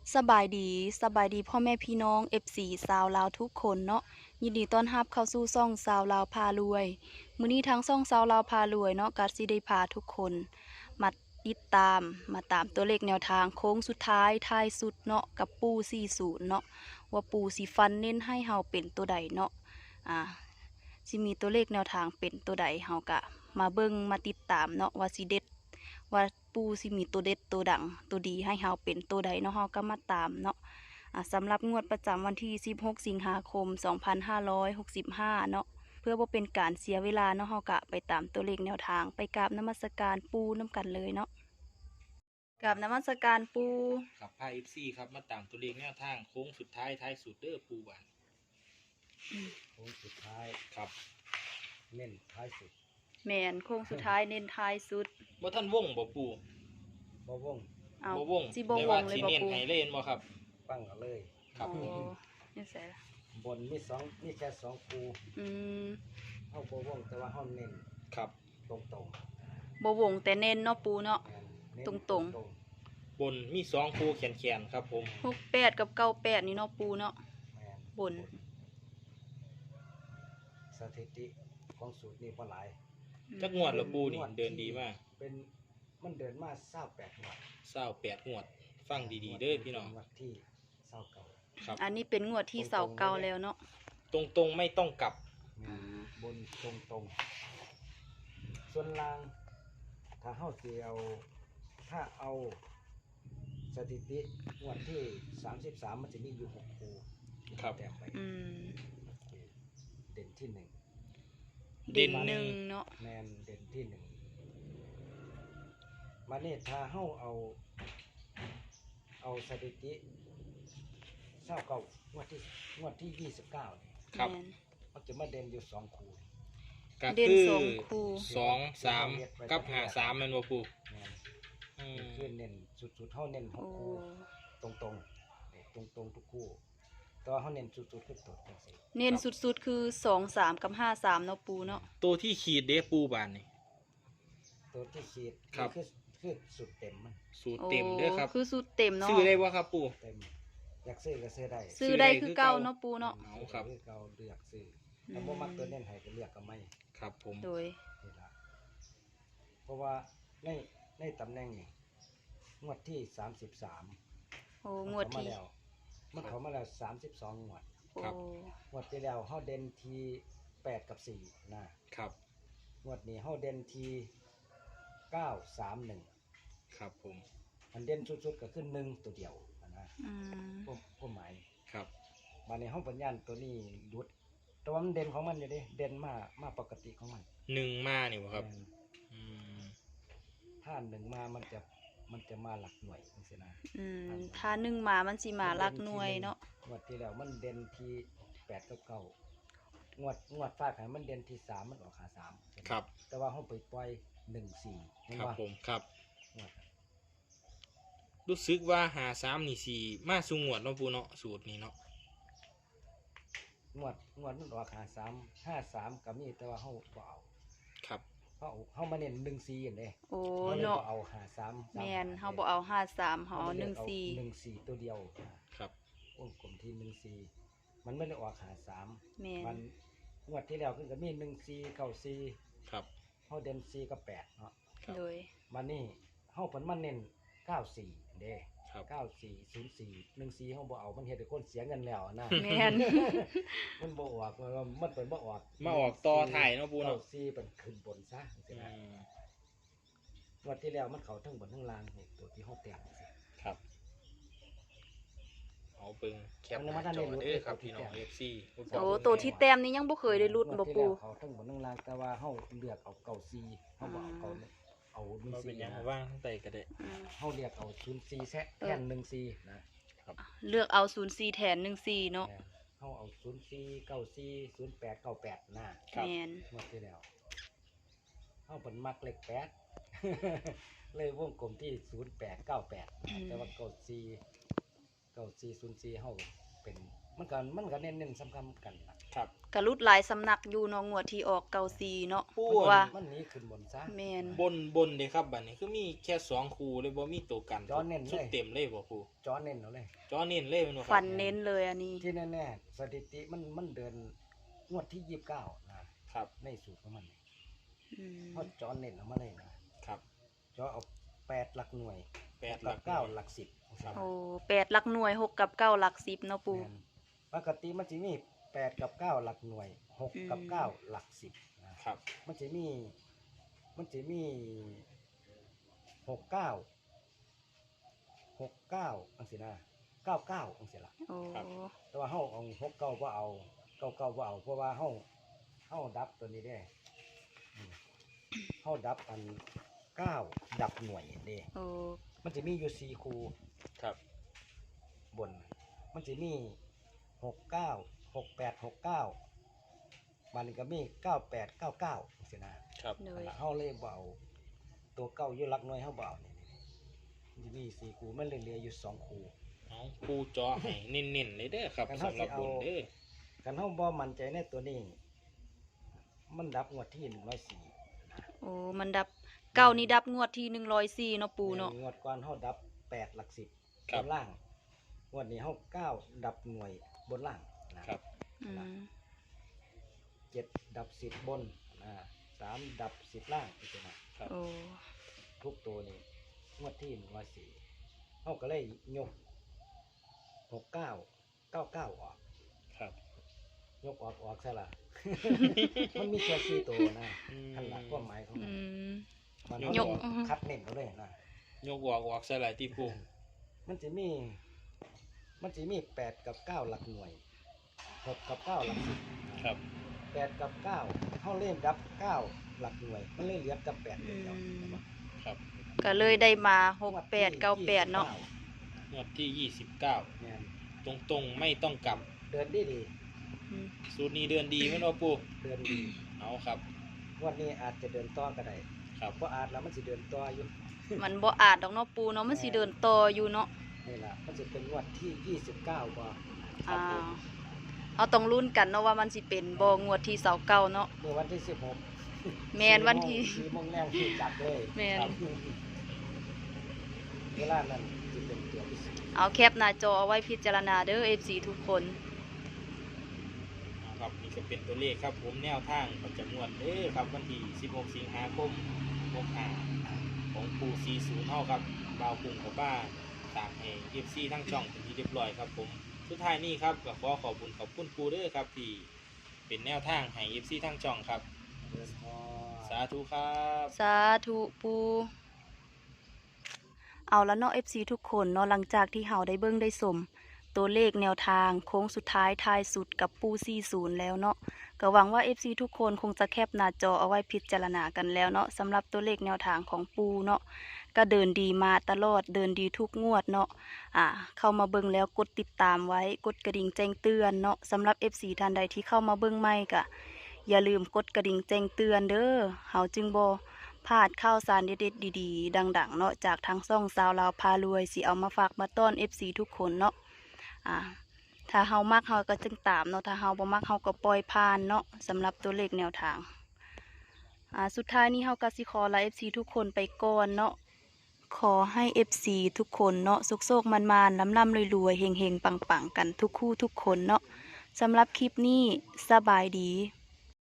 สบายดีพ่อแม่พี่น้อง FC ชาวลาวทุกคนเนาะยินดีต้อนรับเข้าสู่ช่องชาวลาวพารวยมื้อนี้ทางช่องชาวลาวพารวยเนาะก็สิได้พาทุกคนมาติดตามตัวเลขแนวทางโค้งสุดท้ายท้ายสุดเนาะกับปู่40เนาะว่าปู่สิฟันเน้นให้เฮาเป็นตัวใดเนาะสิมีตัวเลขแนวทางเป็นตัวใดเฮาก็มาเบิ่งมาติดตามเนาะว่าสิเด็ด ว่าปูสิมีตัวเด็ดตัวดังตัวดีให้เฮาเป็นตัวใดเนาะเฮาก็มาตามเนาะสำหรับงวดประจำวันที่16สิงหาคม2565เนาะเพื่อบ่เป็นการเสียเวลาเนาะเฮาก็ไปตามตัวเลขแนวทางไปกราบนมัสการปูน้ำกันเลยเนาะกราบนมัสการปูครับพาเอฟซีครับมาตามตัวเลขแนวทางโค้งสุดท้ายท้ายสุดเด้อปูบานโค้งสุดท้ายครับเน้นท้ายสุดแม่นโค้งสุดท้ายเน้นท้ายสุดบ่ท่านวงบ่ปูบ่วงเอาบ่วงสิบ่วงเลยบ่สีเน้นปูให้เล่นบ่ครับปั้งกันเลยครับผมนี่ใส่ละบนมีแค่สองคูอืมเฮาบ่วงแต่ว่าเฮาเน้นครับตรงบ่วงแต่เน้นเนาะปูเนาะๆเน้นตรงบนมี2คู่แขนๆครับผม 68กับ98นี่เนาะปูเนาะแม่นบนสถิติของสูตรนี้บ่หลายจักงวดละปูนี่เดินดีมากมันเดินมา28งวด 28งวดฟังดีๆเด้อพี่น้องงวดที่29 ครับอันนี้เป็นงวดที่เสาเก่าแล้วเนาะตรงๆไม่ต้องกลับแม่นบนตรงๆส่วนล่างถ้าเฮาสิถ้าเอาสถิติงวดที่33มันจะมีอยู่6คู่ครับแต้มไปอืมเด่นที่เด่นหนึ่งเนาะ 1แมนเด่นที่1มาเนี่ยถ้าเฮาเอาสถิติ29งวดที่29นี่ครับแม่นมันจะมาเด่นอยู่2คู่ก็เด่นคือสองคู่ 2 3กับ53แม่นบ่ปูแม่นอืมคือเน้นสุดๆเฮาเน้น6 โอ้คู่ตรงๆทุกคู่แต่ว่าเฮาเน้นสุดๆคือตัวจังซี่เน้นสุดๆคือ2 3กับ5 3เนาะปูเนาะตัวที่ขีดเด้ปูบานนี่ตัวที่ขีดครับคือสุดเต็มมันสูตรเต็มเด้อครับคือสุดเต็มเนาะซื้อได้บ่ครับปูเต็มอยากซื้อก็ซื้อได้ซื้อได้คือเก่าเนาะปูเนาะเอาครับซื้อเก่าเลือกซื้อถ้าบ่มักตัวเน้นให้ก็เลือกก็ไม่ครับผมโดยนี่ล่ะเพราะว่าในตำแหน่งนี่งวดที่33 โอ้งวดที่มันเข้ามาแล้ว32งวดโอ้งวดที่แล้วเฮาเด่นที่8กับ4นะครับ งวดนี้เฮาเด่นที่931 ครับผมอันเด่นสุดๆก็คือ1ตัวเดียวนะอืมความหมายครับบัดนี้เฮาปัญญาณตัวนี้หลุดแต่ว่ามันเด่นของมันอยู่เด้เด่นมาปกติของมัน 1มานี่บ่ครับแม่นอืมถ้า1มามันจะมาหลักหน่วยจังซี่นะอืมถ้าหนึ่งมามันสิมาลักหน่วยเนาะงวดที่แล้วมันเด่นที่8กับ9งวดฟาดให้มันเด่นที่3มันออกหา3 ครับแต่ว่าเฮาไปปล่อย14เห็นครับบ่ผมครับงวดรู้สึกว่า53นี่สิมาสู่งวดเนาะปูเนาะสูตรนี้เนาะงวดมันออก53 53ก็มีแต่ว่าเฮาบ่เอาครับเฮามาเน้น14อันเด้โอ้เฮาเลยเนาะบ่เอา53 แม่นเฮาบ่เอา53เฮาเอา 14ตัวเดียวครับวงกลมที่14มันไม่ได้ออก53 แม่มัน นงวดที่แล้วคือก็มี14 94 ครับเฮาเด่น4กับ8เนาะครับโดยมันนี่เฮาเพิ่นมาเน้น94เด้ครับ 9404 14เฮาบ่เอามันเฮ็ดให้คนเสียเงินแล้วนะแม่นมันบ่ออกมันเพิ่นบ่ออกมาออกต่อถ่ายเนาะปูเนาะ 94เป็นขึ้นบนซะจังซี่อืนะมงวดที่แล้วมันเข้าทั้งบนทั้งล่างนี่ตัวที่เฮาแต้มจังซี่ครับเอาเบิ่งแคปมันหมาน้าทางจอนี้เด้อครับรูดพี่น้อง FC โอ้ตัวที่แต้มนี้ยังบ่เคยได้รุดงวบ่ที่ปูแล้วเข้าทั้งบนทั้งล่างแต่ว่าเฮาเลือกเอา94เฮาบ่เอาเราเป็น 14 ยังนะว่างทั้งใต้ก็ได้อืมเฮาเรียกเอา04แซะแทน14นะเลือกเอา04แทน14เนาะเฮาเอา04 94 08 98นะครับแม่นงวดที่แล้วเฮาเพิ่นมักเลข8 เลยวงกลมที่0898แต่ว่า94 9404เฮาเป็นมันก็เน้นๆสำคัญกันล่ะครับกะรุดหลายสำนักอยู่เนาะงวดที่ออกเกาซีเนาะปูเพราะว่ามันหนี้ขึ้นบนซะแม่นบนเด้ครับบัดนี้คือมีแค่2คู่เลยบ่มีตัวกันจอเน้นเลยชุดเต็มเลยบ่ปูจอเน้นเอาเลยจอเน้นเลยแมันบ่คฟัรับนเน้นเลยอันนี้ที่แน่ๆสถิติมันเดินงวดที่29นะครับ ในสูตรของมันอืมเพราะจอเน้นเอามาเลยนะครับ จอเอา8หลักหน่วย 8หกัลับก 9หลัก10 ครับโอ้8หลักหน่วย6กับ9หลัก10เนาะปูแม่นปกติมันจะมี8กับ9หลักหน่วย6กับ9หลัก10นะครับ มันจะมี69อังสินะ99อังสิละโอ้แต่ว่าเฮาเอา69บ่เอา99บ่เอาเพราะว่าเฮาดับตัวนี้ได้เฮาดับอัน9ดับหน่วยเด้โอ้มันจะมีอยู่4คู่ครับบน มันจะมี69 68 69มันก็มี98 99สินะครับเลนั่นยล่ะเฮาเลยบ่เอาตัวเก้าอยู่หลักหน่วยเฮาบ่เอานี่มันจะมี4คู่มันเลยเหลืออยู่2คู่เอาปูจอให้เน้นๆเลยเด้อครับกันสำเฮาหรับสิบเอานเด้อกันเฮาบ่มั่นใจในตัวนี้ มันดับงวดที่104 โอ้มันดับเก้านี่ดับงวดที่104เนาะปูเนาะงวดก่อนเฮาดับ8หลัก10 ครับบนล่างงวดนี้เฮา9ดับหน่วยบนล่างนะครับอืม 7ดับ10บน3ดับ10ล่างอีกนะครับโอ้ทุกตัวนี่งวดที่104เฮาก็เลยยก69 99ออกครับยกออกซะล่ะ มันมีแค่4ตัวนะอืมขั้นหลักความหมายของอืมันมมันยกคัดเน้นเอาเลยนะยกออกใส่หลายที่ปูมันจะมี8กับ9หลักหน่วย6กับ9หลัก10 ครับ 8กับ9เฮาเล่นดับ9หลักหน่วย มันเลยเหลือกับ8เดียวครับก็เลยได้มา68 98เนาะงวดที่ 29 แม่นตรงๆไม่ต้องกลับเดินดีดีอืมสูตรนี้เดือนดีแม่นบ่ปูเดินดีเอาครับวันนี้อาจจะเดินต่อก็ได้ครับเพราะอาจแล้วมันสิเดินต่ออยู่มันบ่อาจดอกเนาะปูเนาะมันสิเดินต่ออยู่เนาะนี่ล่ะมันจะเป็นงวดที่29บ่อ่าเอาต้องลุ้นกันเนาะว่ามันสิเป็นบ่งวดที่29เนาะเมื่อวันที่16 แม่นวันที่ 4โมงแรงที่จับเลยแม่นครับเวลานั้นจะเป็นตัวพิเศษเอาแคปหน้าจอเอาไว้พิจารณาเด้อ FC ทุกคนครับนี่ก็เป็นตัวเลขครับผมแนวทางประจำงวดเด้อครับวันที่ 16 สิงหาคม65ของปู40เฮาครับบ่าวกรุงกับบ้านตามให้ FC ทั้งช่องเป็นที่เรียบร้อยครับผมสุดท้ายนี้ครับก็ขอขอบคุณปูเด้อครับที่เป็นแนวทางให้ FC ทั้งช่องครับ สาธุครับสาธุปูเอาแล้วเนาะ FC ทุกคนเนาะหลังจากที่เฮาได้เบิ่งได้สมตัวเลขแนวทางโค้งสุดท้ายท้ายสุดกับปู40แล้วเนาะก็หวังว่า FC ทุกคนคงจะแคปหน้าจอเอาไว้พิจารณากันแล้วเนาะสำหรับตัวเลขแนวทางของปูเนาะก็เดินดีมาตลอดเดินดีทุกงวดเนาะเข้ามาเบิ่งแล้วกดติดตามไว้กดกระดิ่งแจ้งเตือนเนาะสำหรับ FC ท่านใดที่เข้ามาเบิ่งใหม่ก็อย่าลืมกดกระดิ่งแจ้งเตือนเด้อเฮาจึงบ่พลาดข่าวสารเด็ดๆดีๆดังๆเนาะจากทางช่องสาวลาวพารวยสิเอามาฝากมาต้อน FC ทุกคนเนาะถ้าเฮามักเฮาก็จึงตามเนาะถ้าเฮาบ่มักเฮาก็ปล่อยผ่านเนาะสำหรับตัวเลขแนวทางสุดท้ายนี้เฮาก็สิขอลา FC ทุกคนไปก่อนเนาะขอให้ FC ทุกคนเนาะสุกๆมันๆล่ำๆรวยๆเฮงๆปังๆกันทุกคู่ทุกคนเนาะสำหรับคลิปนี้สบายดี